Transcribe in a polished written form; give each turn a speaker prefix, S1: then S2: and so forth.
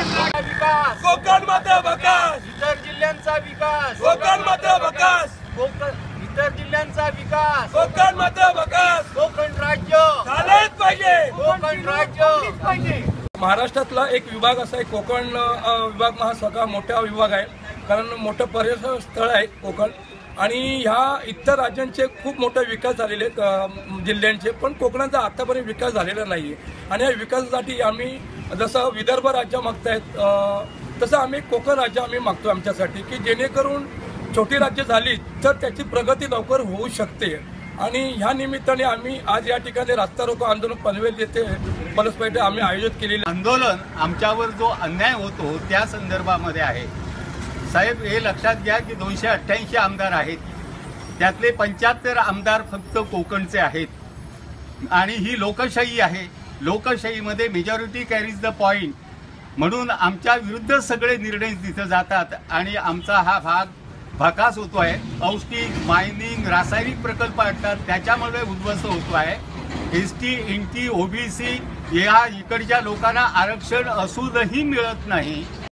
S1: विकास,
S2: कोकण मध्ये विकास,
S1: इतर जिल्ह्यांचा विकास,
S2: कोकण मध्ये विकास,
S1: इतर जिल्ह्यांचा विकास,
S2: कोकण मध्ये विकास
S1: कोकण राज्य
S2: झालेच पाहिजे.
S1: कोकण राज्य
S2: महाराष्ट्रातला एक विभाग असा आहे कोकण विभाग. हा सगळा मोठा विभाग आहे, कारण मोठं पर्यटन स्थळ आहे कोकण. आणि ह्या इतर राज्यांचे खूप मोठा विकास झालेले जिल्ह्यांचे, पण कोकणाचा आतापर्यंत विकास झालेला नाही आहे. आणि या विकासासाठी आम्ही जसं विदर्भ राज्य मागतायत तसं आम्ही कोकण राज्य आम्ही मागतो आमच्यासाठी, की जेणेकरून छोटी राज्य झाली तर त्याची प्रगती लवकर होऊ शकते. आणि ह्या निमित्ताने आम्ही आज या ठिकाणी रास्ता रोको आंदोलन पनवेल येथे पलसपेठे आम्ही आयोजित केलेले
S3: आंदोलन आमच्यावर जो अन्याय होतो त्या संदर्भामध्ये आहे. साहेब, हे लक्षात घ्या की 288 आमदार आहेत, त्यातले 75 आमदार फक्त कोकणचे आहेत. आणि ही लोकशाही आहे. लोकशाहीमध्ये मेजॉरिटी कॅरीज द पॉइंट, म्हणून आमच्या विरुद्ध सगळे निर्णय तिथं जातात आणि आमचा हा भाग भकास होतो आहे. औष्णिक, मायनिंग, रासायनिक प्रकल्प असतात, त्याच्यामुळे उद्ध्वस्त होतो आहे. ST, NT, OBC या इकडच्या लोकांना आरक्षण असूनही मिळत नाही.